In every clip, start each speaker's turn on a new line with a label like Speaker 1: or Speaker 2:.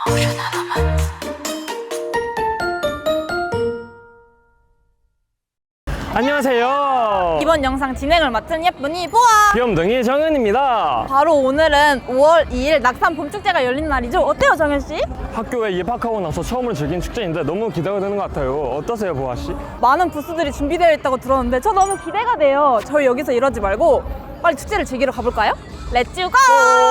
Speaker 1: 안녕하세요.
Speaker 2: 이번 영상 진행을 맡은 예쁜이 보아
Speaker 1: 귀염둥이 정은입니다.
Speaker 2: 바로 오늘은 5월 2일 낙산 봄축제가 열린 날이죠. 어때요 정현씨?
Speaker 1: 학교에 입학하고 나서 처음으로 즐긴 축제인데 너무 기대가 되는 것 같아요. 어떠세요 보아씨?
Speaker 2: 많은 부스들이 준비되어 있다고 들었는데 저 너무 기대가 돼요. 저희 여기서 이러지 말고 빨리 축제를 즐기러 가볼까요? 렛츠 고!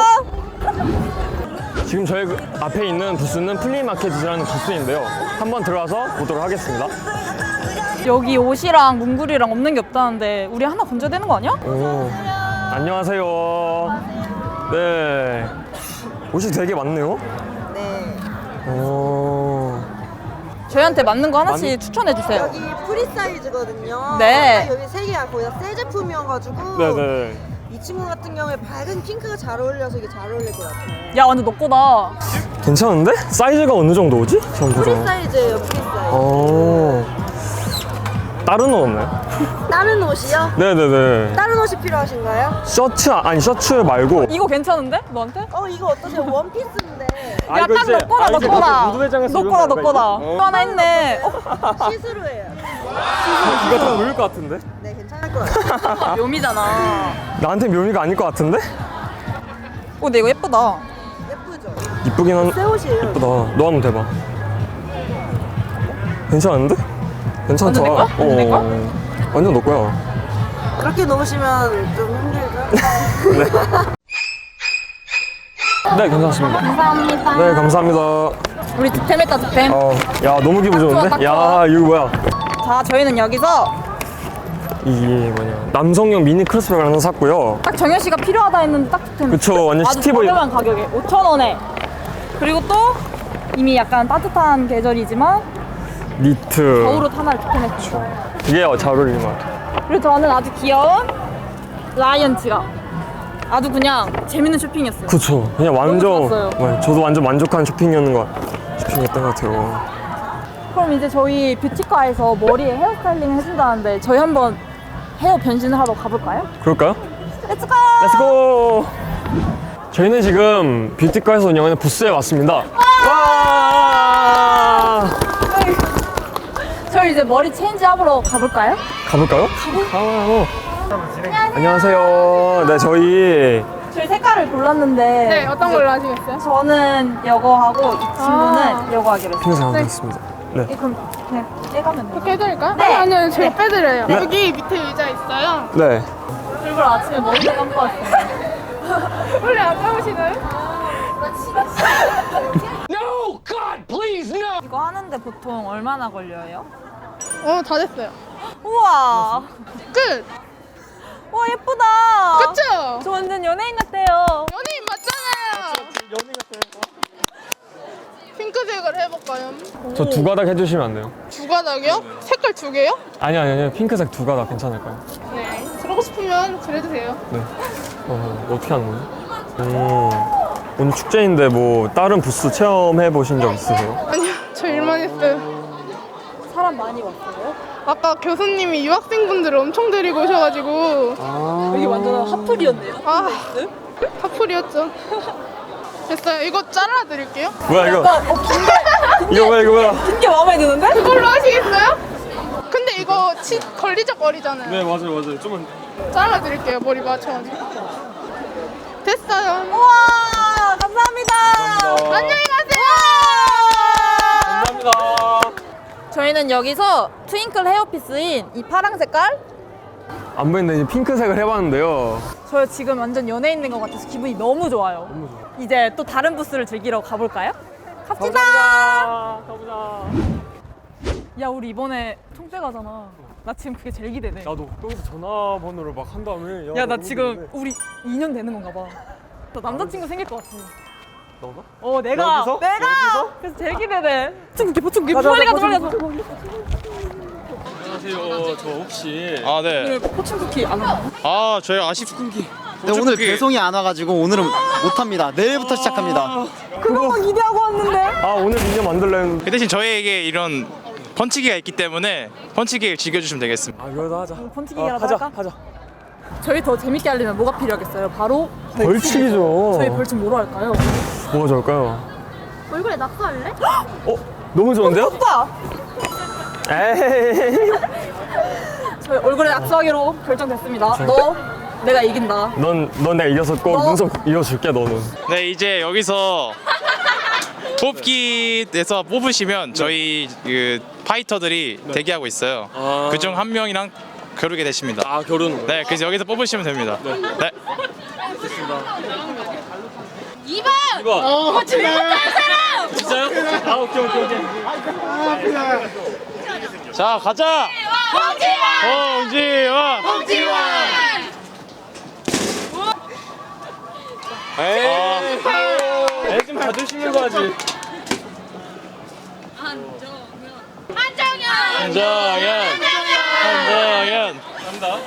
Speaker 1: 지금 저희 앞에 있는 부스는 플리마켓이라는 부스인데요. 한번 들어가서 보도록 하겠습니다.
Speaker 2: 여기 옷이랑 문구리랑 없는 게 없다는데 우리 하나 건져야 되는 거 아니야?
Speaker 1: 오, 안녕하세요. 네, 옷이 되게 많네요.
Speaker 3: 네.
Speaker 1: 오,
Speaker 2: 저희한테 맞는 거 하나씩 추천해 주세요.
Speaker 3: 여기 프리 사이즈거든요.
Speaker 2: 네.
Speaker 3: 여기 세 개가 거의 다 새 제품이어가지고
Speaker 1: 네네.
Speaker 3: 이 친구 같은 경우에 밝은 핑크가 잘 어울려서 이게 잘 어울릴 것 같아요.
Speaker 2: 야 완전 너 거다.
Speaker 1: 괜찮은데? 사이즈가 어느 정도 오지? 전
Speaker 3: 프리
Speaker 1: 보자.
Speaker 3: 사이즈예요, 프리 사이즈.
Speaker 1: 오, 다른 옷 없나요?
Speaker 3: 다른 옷이요?
Speaker 1: 네네네.
Speaker 3: 다른 옷이 필요하신가요?
Speaker 1: 셔츠 아니 셔츠 말고.
Speaker 2: 이거 괜찮은데? 너한테?
Speaker 3: 이거 어떠세요? 원피스인데
Speaker 1: 아,
Speaker 2: 야
Speaker 1: 이거
Speaker 2: 딱
Speaker 1: 이제-
Speaker 2: 너 거다
Speaker 1: 아,
Speaker 2: 너
Speaker 1: 이제
Speaker 2: 거다.
Speaker 1: 무도회장에서
Speaker 2: 너
Speaker 1: 입은
Speaker 2: 거다 너
Speaker 1: 건가,
Speaker 2: 거다.
Speaker 1: 이거?
Speaker 2: 또 하나 했네.
Speaker 3: 시스루예요.
Speaker 1: 이거 좀 어울릴 것 같은데?
Speaker 3: 네, 괜찮을 것 같아요.
Speaker 2: 묘미잖아.
Speaker 1: 나한테 묘미가 아닐 것 같은데?
Speaker 2: 근데 이거 예쁘다.
Speaker 3: 예쁘죠?
Speaker 1: 이쁘긴 한.
Speaker 3: 새 옷이에요.
Speaker 1: 예쁘다. 너 한번 대봐. 괜찮은데? 괜찮다.
Speaker 2: 완전 내 거야? 완전 내 거야?
Speaker 1: 완전 너 거야.
Speaker 3: 그렇게 놓으시면 좀 힘들죠?
Speaker 1: 네, 괜찮습니다.
Speaker 2: 감사합니다.
Speaker 1: 네, 감사합니다.
Speaker 2: 우리 득템했다 득템.
Speaker 1: 야, 너무 기분
Speaker 2: 딱 좋아,
Speaker 1: 좋은데?
Speaker 2: 딱
Speaker 1: 야,
Speaker 2: 좋아.
Speaker 1: 이거 뭐야?
Speaker 2: 자 저희는 여기서
Speaker 1: 이게 뭐냐? 남성용 미니 크로스백 하나 샀고요.
Speaker 2: 딱 정현 씨가 필요하다 했는데 딱 득템.
Speaker 1: 그쵸, 완전
Speaker 2: 아주
Speaker 1: 시티보이.
Speaker 2: 저렴한 가격에 5,000원에. 그리고 또 이미 약간 따뜻한 계절이지만
Speaker 1: 니트.
Speaker 2: 겨울옷 하나를 득템했죠.
Speaker 1: 이게 잘 어울리는 것 같아.
Speaker 2: 그리고 저는 아주 귀여운 라이언 지갑. 아주 그냥 재밌는 쇼핑이었어요.
Speaker 1: 그쵸. 그냥 완전.
Speaker 2: 좋았어요.
Speaker 1: 네, 저도 완전 만족한 쇼핑이었던 것 같아요.
Speaker 2: 그럼 이제 저희 뷰티과에서 머리에 헤어스타일링 해준다는데 저희 한번 헤어 변신을 하러 가볼까요?
Speaker 1: 그럴까요?
Speaker 2: 렛츠고!
Speaker 1: 렛츠고! 저희는 지금 뷰티과에서 운영하는 부스에 왔습니다. 와!
Speaker 2: 저희 이제 머리 체인지 하러 가볼까요?
Speaker 1: 가볼까요? 가봐요. 안녕하세요. 네, 저희
Speaker 2: 저희 색깔을 골랐는데
Speaker 4: 네, 어떤 걸로 하시겠어요?
Speaker 2: 저는 이거 하고 이 친구는 이거 하기로 했어요.
Speaker 1: 핑크 잘못했습니다. 네.
Speaker 2: 그럼 그냥 떼가면 돼요.
Speaker 4: 이렇게 해드릴까요?
Speaker 2: 네.
Speaker 4: 아니요, 제가
Speaker 2: 네.
Speaker 4: 빼드려요.
Speaker 1: 네.
Speaker 4: 여기 밑에 의자 있어요.
Speaker 1: 네.
Speaker 2: 일부러 아침에 머리를 감고 왔어요.
Speaker 4: 원래 안 감으시나요?
Speaker 2: 이거 하는데 보통 얼마나 걸려요?
Speaker 4: 다 됐어요.
Speaker 2: 우와!
Speaker 4: 끝!
Speaker 2: 와 예쁘다!
Speaker 4: 그쵸?
Speaker 2: 저 완전 연예인 같아요.
Speaker 4: 연예인 맞잖아요. 핑크색을 해볼까요?
Speaker 1: 저 두 가닥 해주시면 안 돼요?
Speaker 4: 두 가닥이요? 색깔 두 개요?
Speaker 1: 아니요. 핑크색 두 가닥 괜찮을까요?
Speaker 4: 네. 그러고 싶으면 그래도 돼요.
Speaker 1: 네. 어떻게 하는 거지? 오늘 축제인데 뭐 다른 부스 체험해 보신 적 있으세요?
Speaker 4: 아니요, 저 일만 했어요.
Speaker 2: 사람 많이 왔어요?
Speaker 4: 아까 교수님이 유학생분들을 엄청 데리고 오셔가지고
Speaker 2: 여기 완전 핫플이었네요.
Speaker 4: 파풀이었죠. 됐어요. 이거 잘라드릴게요.
Speaker 1: 뭐야 이거?
Speaker 2: 약간
Speaker 1: 이거 뭐야?
Speaker 2: 긴 게 마음에 드는데?
Speaker 4: 그걸로 하시겠어요? 근데 이거 걸리적거리잖아요.
Speaker 1: 네 맞아요. 좀만.
Speaker 4: 잘라드릴게요. 머리 맞춰가지고. 됐어요.
Speaker 2: 우와 감사합니다.
Speaker 4: 안녕히 가세요.
Speaker 1: 감사합니다.
Speaker 2: 저희는 여기서 트윙클 헤어피스인 이 파랑 색깔
Speaker 1: 안 보이는데 이제 핑크색을 해봤는데요.
Speaker 2: 저 지금 완전 연예인 된 것 같아서 기분이 너무 좋아요.
Speaker 1: 너무 좋아.
Speaker 2: 이제 또 다른 부스를 즐기러 가볼까요? 갑시다.
Speaker 1: 가보자.
Speaker 2: 야 우리 이번에 총대 가잖아. 나 지금 그게 제일 기대돼.
Speaker 1: 나도 여기서 전화번호를 막 한 다음에.
Speaker 2: 야 나 지금 우리 2년 되는 건가 봐. 나 남자친구 생길 것 같아.
Speaker 1: 너가?
Speaker 2: 내가
Speaker 1: 여기서?
Speaker 2: 내가
Speaker 1: 여기서?
Speaker 2: 그래서 제일 기대돼. 포충기
Speaker 1: 가자,
Speaker 2: 빨리 가자
Speaker 1: 가자,
Speaker 2: 빨리 가자.
Speaker 1: 안녕하세요. 저 혹시
Speaker 5: 아, 네.
Speaker 2: 오늘 포춘 쿠키 안 와?
Speaker 5: 아, 저희 아쉽군기.
Speaker 6: 네, 오늘 배송이 안 와가지고 오늘은 못합니다. 내일부터 시작합니다.
Speaker 2: 그것만 기대하고 왔는데.
Speaker 1: 오늘 인형 만들려 했는데.
Speaker 5: 그 대신 저희에게 이런 펀치기가 있기 때문에 펀치기를 즐겨주시면 되겠습니다.
Speaker 1: 그러다 하자.
Speaker 2: 펀치기라도
Speaker 1: 하자.
Speaker 2: 할까?
Speaker 1: 하자.
Speaker 2: 저희 더 재밌게 하려면 뭐가 필요하겠어요? 바로
Speaker 1: 벌칙이죠.
Speaker 2: 저희 벌칙 뭐로 할까요?
Speaker 1: 뭐가 좋을까요?
Speaker 7: 얼굴에 낙서할래?
Speaker 1: 너무 좋은데요?
Speaker 2: 오빠!
Speaker 1: 에이.
Speaker 2: 저희 얼굴에 낙서하기로 결정됐습니다. 너 내가 이긴다.
Speaker 1: 넌 내가 이겨서 꼭 눈썹 이어줄게 너는.
Speaker 5: 네, 이제 여기서 뽑기에서 뽑으시면 저희 그 파이터들이 대기하고 있어요. 그중 한 명이랑 겨루게 되십니다.
Speaker 1: 아 결혼.
Speaker 5: 네, 그래서 여기서 뽑으시면 됩니다. 네.
Speaker 7: 2번!
Speaker 1: 2번.
Speaker 7: 제일 못하는 사람!
Speaker 1: 진짜요? 아 오케이.
Speaker 5: 자, 가자. 홍지원.
Speaker 1: 에이 좀 봐주시는 거지.
Speaker 5: 한정현.
Speaker 1: 간다.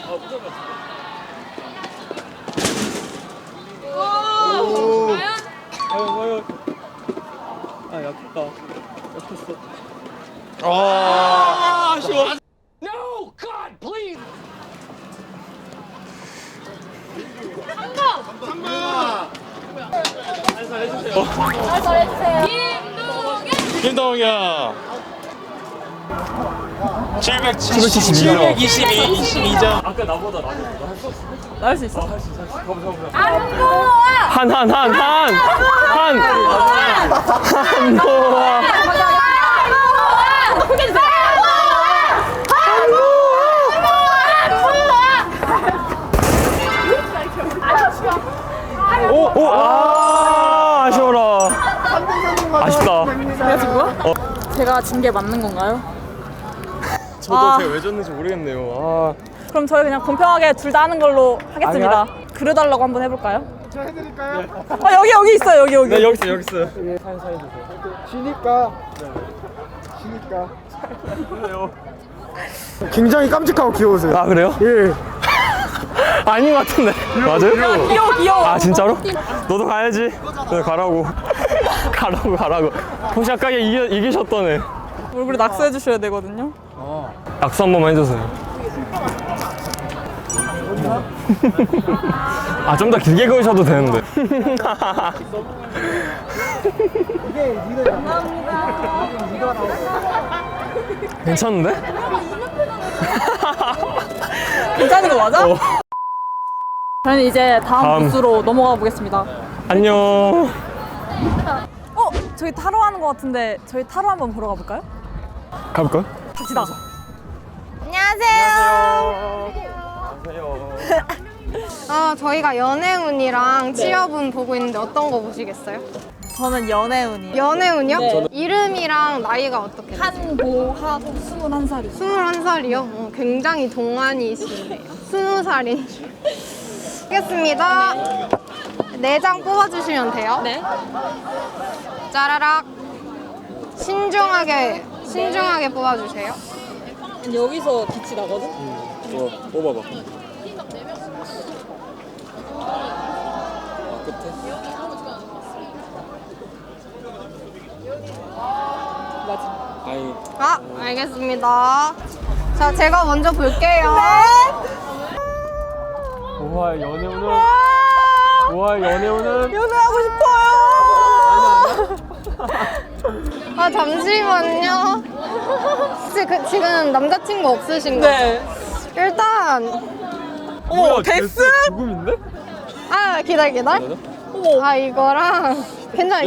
Speaker 1: 과연. 아 약했다. 아쉬워.
Speaker 5: 김동현.
Speaker 1: 772점.
Speaker 5: 722점.
Speaker 1: 아까 나보다
Speaker 2: 나 할 수 있어.
Speaker 1: 한노아. 오, 아쉬워라. 아쉽다.
Speaker 2: 내가 진 거야? 제가 진 게 맞는 건가요?
Speaker 1: 저도 제가 왜 졌는지 모르겠네요.
Speaker 2: 그럼 저희 그냥 공평하게 둘 다 하는 걸로 하겠습니다. 그려달라고 한번 해볼까요?
Speaker 6: 제가 해드릴까요?
Speaker 2: 여기 있어요. 여기.
Speaker 1: 네, 여기 있어요.
Speaker 6: 쉬니까. 굉장히 깜찍하고 귀여우세요.
Speaker 1: 아 그래요?
Speaker 6: 예.
Speaker 1: 아닌 것 같은데. 맞아요?
Speaker 2: 귀여워.
Speaker 1: 아 진짜로? 너도 가야지. 네, 가라고. 가라고. 혹시 아까 이기셨던 애.
Speaker 2: 얼굴에 낙서해 주셔야 되거든요.
Speaker 1: 악수 한 번만 해주세요. 아 좀 더 길게 그으셔도 되는데. 괜찮은데?
Speaker 2: 괜찮은 거 맞아? 저는 이제 다음
Speaker 1: 다음.
Speaker 2: 부스로 넘어가 보겠습니다.
Speaker 1: 안녕.
Speaker 2: 저희 타로 하는 거 같은데 저희 타로 한번 보러 가볼까요?
Speaker 1: 가볼까요?
Speaker 2: 갑시다.
Speaker 7: 저희가 연애운이랑 취업운 보고 있는데 어떤 거 보시겠어요?
Speaker 2: 저는 연애운이에요.
Speaker 7: 연애운이요?
Speaker 2: 네.
Speaker 7: 이름이랑 나이가 어떻게 되세요?
Speaker 2: 한보하고 21살이요.
Speaker 7: 21살이요? 굉장히 동안이시네요. 20살인 줄. 알겠습니다. 4장 뽑아주시면 돼요.
Speaker 2: 네.
Speaker 7: 짜라락. 신중하게 뽑아주세요.
Speaker 2: 여기서 빛이 나거든?
Speaker 1: 뽑아봐.
Speaker 7: 알겠습니다. 자, 제가 먼저 볼게요.
Speaker 1: 우와 연애운은
Speaker 2: 연애하고 싶어요.
Speaker 7: 잠시만요. 지금 남자친구 없으신가요?
Speaker 2: 네.
Speaker 7: 일단
Speaker 2: 어머, 데스?
Speaker 1: 죽음인데?
Speaker 7: 기다려.
Speaker 2: 어머.
Speaker 7: 이거랑 괜찮아.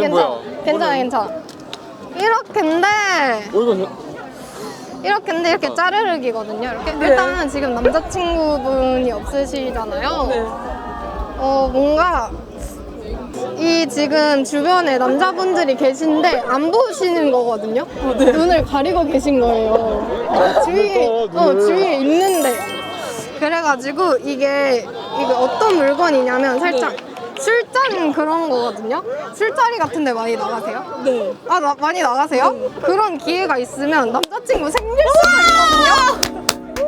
Speaker 7: 이렇게인데 이렇게 짜르륵이거든요. 일단 지금 남자친구분이 없으시잖아요.
Speaker 2: 네.
Speaker 7: 뭔가 이 지금 주변에 남자분들이 계신데 안 보시는 거거든요. 눈을 가리고 계신 거예요. 주위에 있는데. 그래가지고 이게 어떤 물건이냐면 살짝 술잔 그런 거거든요. 술자리 같은 데 많이 나가세요?
Speaker 2: 네.
Speaker 7: 많이 나가세요? 그런 기회가 있으면 남자친구 생길 수가 있거든요.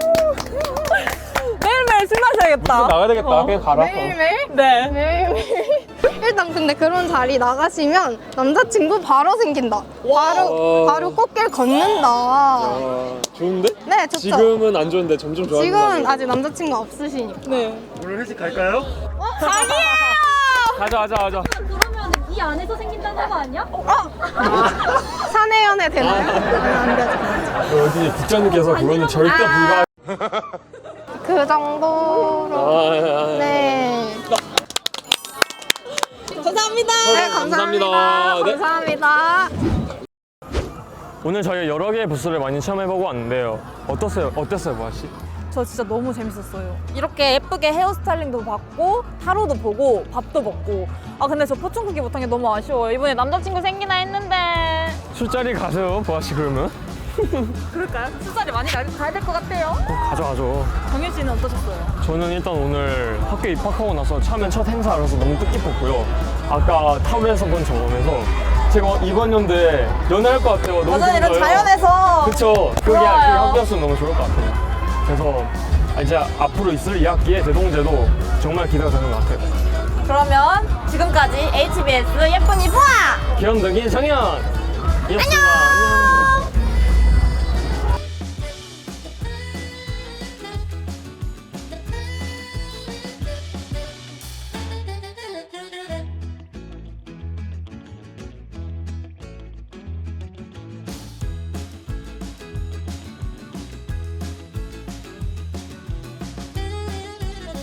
Speaker 2: 매일매일 술 마셔야겠다.
Speaker 1: 나가야 되겠다. 그냥 가라.
Speaker 7: 매일매일?
Speaker 2: 네.
Speaker 7: 매일매일. 일단 근데 그런 자리 나가시면 남자친구 바로 생긴다. 바로 꽃길 걷는다.
Speaker 1: 좋은데?
Speaker 7: 네, 좋죠.
Speaker 1: 지금은 안 좋은데 점점 좋아진다.
Speaker 7: 지금은 아직 남자친구 없으시니까.
Speaker 2: 네.
Speaker 1: 오늘 회식 갈까요?
Speaker 7: 아니에요!
Speaker 1: 가자.
Speaker 7: 그러면
Speaker 8: 이 안에서 생긴다는 거 아니야?
Speaker 7: 사내연애 되나요? 안 되죠.
Speaker 1: 어디 국장님께서 그거는 절대 불가.
Speaker 7: 그 정도로. 네.
Speaker 2: 감사합니다.
Speaker 7: 네, 감사합니다.
Speaker 1: 네.
Speaker 7: 감사합니다.
Speaker 1: 오늘 저희 여러 개의 부스를 많이 체험해보고 왔는데요. 어땠어요, 보아 씨?
Speaker 2: 저 진짜 너무 재밌었어요. 이렇게 예쁘게 헤어스타일링도 받고 타로도 보고 밥도 먹고. 아 근데 저 포춘쿠키 못한 게 너무 아쉬워요. 이번에 남자친구 생기나 했는데.
Speaker 1: 술자리 가세요, 보아 씨 그러면?
Speaker 2: 그럴까요? 술자리 많이 가야 될 것 같아요.
Speaker 1: 가죠.
Speaker 2: 정윤 씨는 어떠셨어요?
Speaker 1: 저는 일단 오늘 학교에 입학하고 나서 처음엔 첫 행사라서 너무 뜻깊었고요. 아까 타로에서 본 경험에서 제가 이번 연도에 연애할 것 같아요. 너무
Speaker 2: 맞아요. 이런
Speaker 1: 기대돼요.
Speaker 2: 자연에서.
Speaker 1: 그쵸. 그게
Speaker 2: 좋아요.
Speaker 1: 학교였으면 너무 좋을 것 같아요. 그래서 이제 앞으로 있을 2학기의 대동제도 정말 기대가 되는 것 같아요.
Speaker 2: 그러면 지금까지 HBS 예쁜이 보아!
Speaker 1: 귀염둥이 정연! 이었습니다. 안녕!